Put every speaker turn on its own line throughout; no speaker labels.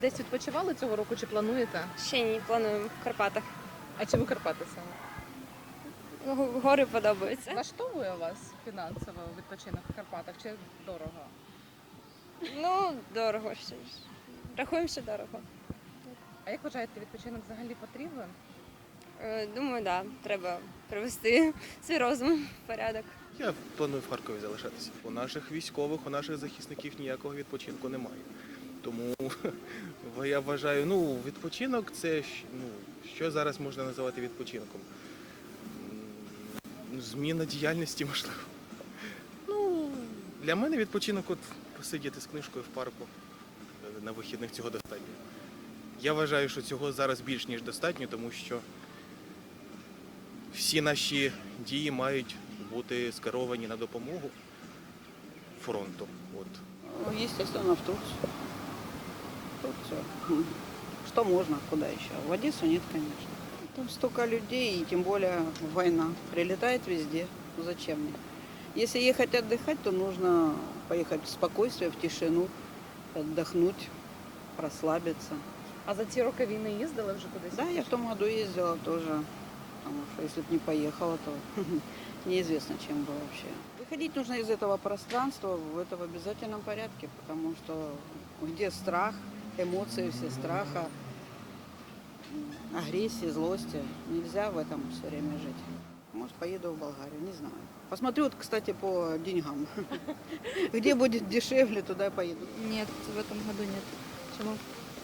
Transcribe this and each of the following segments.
Десь відпочивали цього року чи плануєте?
Ще ні, плануємо в Карпатах.
А чому Карпати саме?
Ну, гори подобаються.
Влаштовує вас фінансово відпочинок в Карпатах чи дорого?
Ну, дорого ще ж. Рахуємо, що дорого.
А як вважаєте, відпочинок взагалі потрібен?
Думаю, так, треба привести свій розум в порядок.
Я планую в Харкові залишатися. У наших військових, у наших захисників ніякого відпочинку немає. Тому я вважаю, відпочинок це що зараз можна називати відпочинком? Зміна діяльності, можливо. Для мене відпочинок посидіти з книжкою в парку на вихідних цього достатньо. Я вважаю, що цього зараз більш ніж достатньо, тому що всі наші дії мають бути скеровані на допомогу фронту.
Естественно, в Турцию. Турцию. Что можно, куда еще? В Одессу нет, конечно. Там столько людей, и тем более война. Прилетает везде. Зачем мне? Если ехать отдыхать, то нужно поехать в спокойствие, в тишину, отдохнуть, расслабиться.
А за ці роки війни їздили вже кудись?
Да, я в том году ездила тоже, потому что если бы не поехала, то неизвестно, чем бы вообще. Выходить нужно из этого пространства в это в обязательном порядке, потому что где страх, эмоции все страха, агрессии, злости, нельзя в этом все время жить. Может, поеду в Болгарию, не знаю. Посмотрю, кстати, по деньгам. Где будет дешевле, туда и поеду.
Нет, в этом году нет. Почему?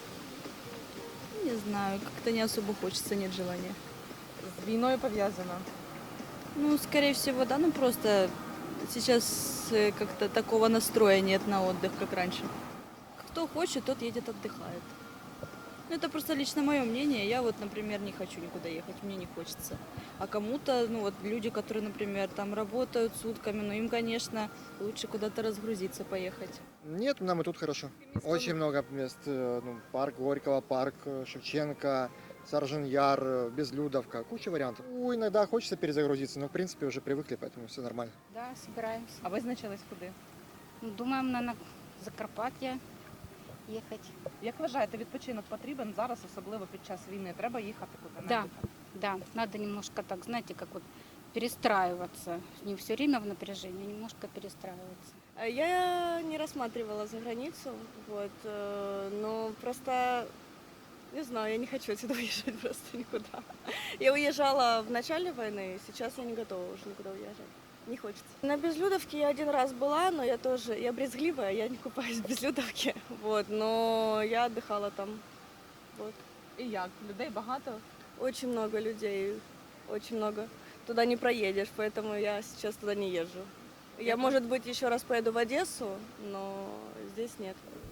Не знаю, как-то не особо хочется, нет желания.
З війною пов'язано.
Ну, скорее всего, да, ну просто сейчас как-то такого настроя нет на отдых, как раньше. Кто хочет, тот едет, отдыхает. Ну, это просто лично мое мнение. Я вот, например, не хочу никуда ехать, мне не хочется. А кому-то, ну вот люди, которые, например, там работают сутками, ну им, конечно, лучше куда-то разгрузиться, поехать.
Нет, нам и тут хорошо. Очень много мест. Парк Горького, парк Шевченко, Саржен-Яр, Безлюдовка. Куча вариантов. Иногда хочется перезагрузиться, но в принципе уже привыкли, поэтому все нормально.
Да, собираемся.
А визначились куди?
Ну, думаем на Закарпаття ехать.
Як вважаєте, відпочинок потрібен зараз, особливо під час війни? Треба їхати куди?
Да. Да, надо немножко так, знаете, как вот перестраиваться. Не все время в напряжении, а немножко перестраиваться.
Я не рассматривала за границу, вот, но просто, не знаю, я не хочу отсюда уезжать просто никуда. Я уезжала в начале войны, сейчас я не готова уже никуда уезжать. Не хочется. На Безлюдовке я один раз была, но я брезгливая, я не купаюсь в Безлюдовке, вот, но я отдыхала там, вот.
І як? Людей багато?
Очень много людей, очень много. Туда не проедешь, поэтому я сейчас туда не езжу. Я, может быть, еще раз поеду в Одессу, но здесь нет.